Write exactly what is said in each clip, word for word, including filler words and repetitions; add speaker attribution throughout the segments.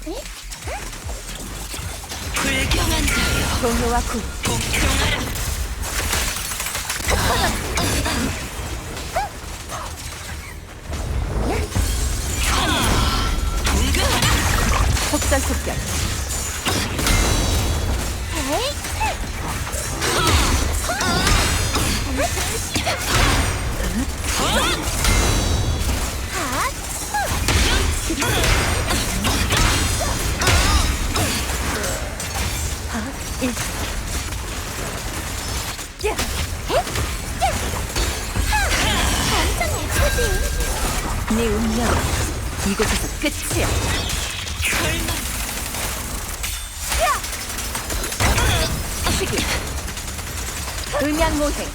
Speaker 1: 불경한 자여,
Speaker 2: 동요와 군
Speaker 1: 복종하라.
Speaker 2: 속전속결 네 운명은 이곳에서 끝이야.
Speaker 1: 설마
Speaker 2: 시기 음양모행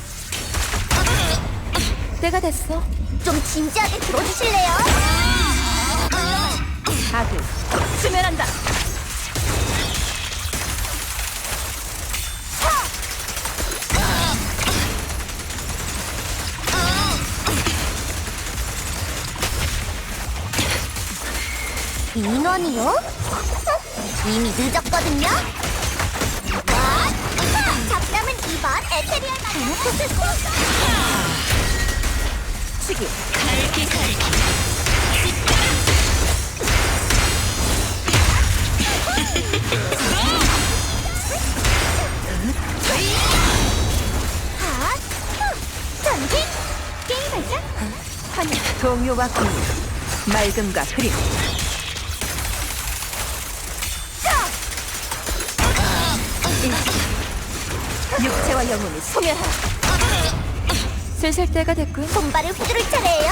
Speaker 2: 때가 됐어.
Speaker 3: 좀 진지하게 들어주실래요?
Speaker 2: 아들 수면한다.
Speaker 3: 인원이요? 이미 늦었거든요? 와! 잡담은 이번 에테리얼 마녀
Speaker 2: 시기
Speaker 1: 갈기 갈기.
Speaker 3: 전진! 게임 발전!
Speaker 2: 환희 동요와 군 맑음과 흐림 육체와 영혼이 소멸하라. 슬슬 때가 됐군.
Speaker 3: 손발을 휘두를 차례예요.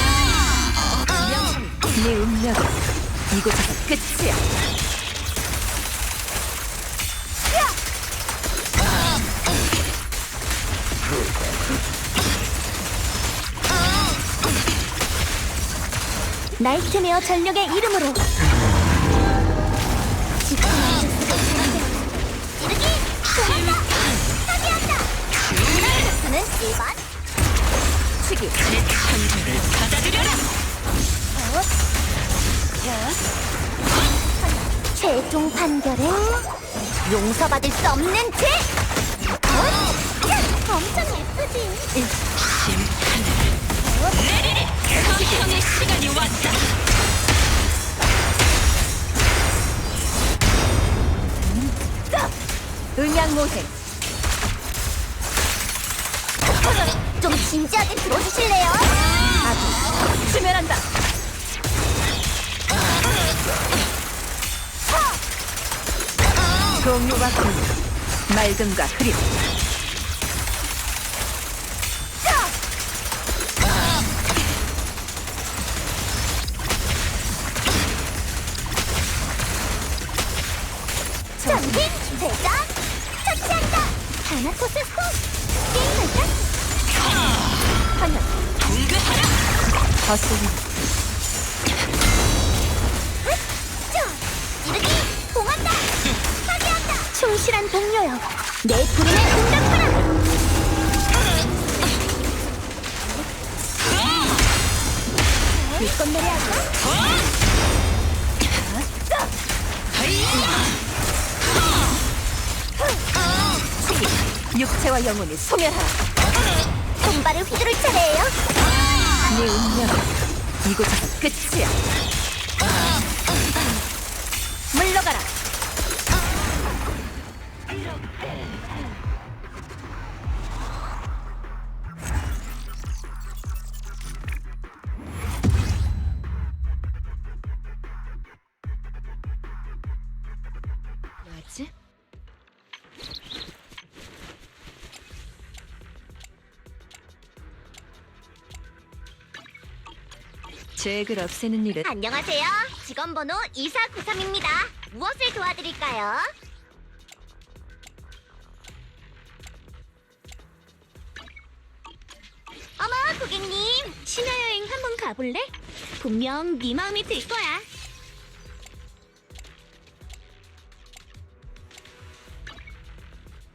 Speaker 2: 네 운명은 이곳에서 끝이야.
Speaker 3: 나이트메어 전력의 이름으로 찌르기! 도망가! 파괴한다! 저는 일 번
Speaker 2: 시기
Speaker 1: 내 창조를 받아들여라.
Speaker 3: 최종 판결은 용서받을 수 없는 죄! 엄청 예쁘지?
Speaker 1: 심판을 내리리. 서형의 시간이 왔다.
Speaker 2: 음양모행
Speaker 3: 좀 진지하게 들어주실래요?
Speaker 2: 아들 수면한다. 동요와 군 맑음과 흐림
Speaker 3: 전진! 대장! 터치한다! 다나코스 스톱! 게임 발전!
Speaker 2: 환희
Speaker 1: 동그하라.
Speaker 2: 거슬림
Speaker 3: 찌르기! 봉한다! 파괴한다! 충실한 동료여! 내 부름에 응답하라! 일건 내려야죠?
Speaker 2: 육체와 영혼이 소멸하라.
Speaker 3: 손발을 휘두를 차례예요?
Speaker 2: 네 운명은 이곳에서 끝이야. 물러가라. 뭐지? 죄를 없애는 일은
Speaker 3: 안녕하세요. 직원번호 이사구삼입니다. 무엇을 도와드릴까요? 어머, 고객님. 신화여행 한번 가볼래? 분명 네 마음이 들 거야.